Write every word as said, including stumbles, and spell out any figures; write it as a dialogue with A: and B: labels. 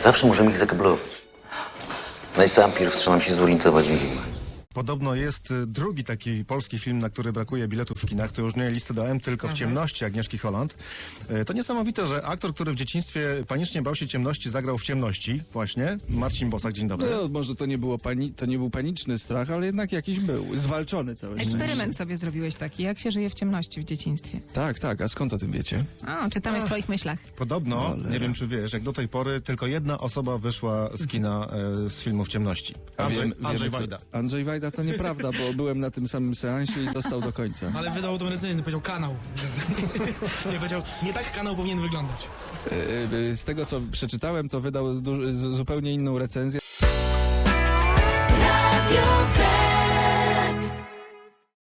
A: Zawsze możemy ich zakablować. No i sam pierw trzeba nam się zorientować w więzieniu.
B: Podobno jest y, drugi taki polski film, na który brakuje biletów w kinach. To już nie Listy do M, tylko W ciemności Agnieszki Holland. Y, To niesamowite, że aktor, który w dzieciństwie panicznie bał się ciemności, zagrał w ciemności. Właśnie. Marcin Bosak, dzień dobry.
C: No, może to nie, było pani, to nie był paniczny strach, ale jednak jakiś był. Zwalczony całe szczęście.
D: Eksperyment sobie zrobiłeś taki, jak się żyje w ciemności w dzieciństwie.
C: Tak, tak. A skąd o tym wiecie?
D: O, czytamy w twoich myślach.
B: Podobno,
C: Cholera.
B: nie wiem czy wiesz, jak do tej pory tylko jedna osoba wyszła z kina e, z filmu W ciemności. Andrzej,
C: wiem-
B: Andrzej
C: wiemy, kto-
B: Wajda.
C: Andrzej Wajda to nieprawda, bo byłem na tym samym seansie i został do końca.
E: Ale wydał tą recenzję, powiedział kanał. nie, powiedział, nie tak kanał powinien wyglądać.
C: Y, y, Z tego, co przeczytałem, to wydał du- z- zupełnie inną recenzję.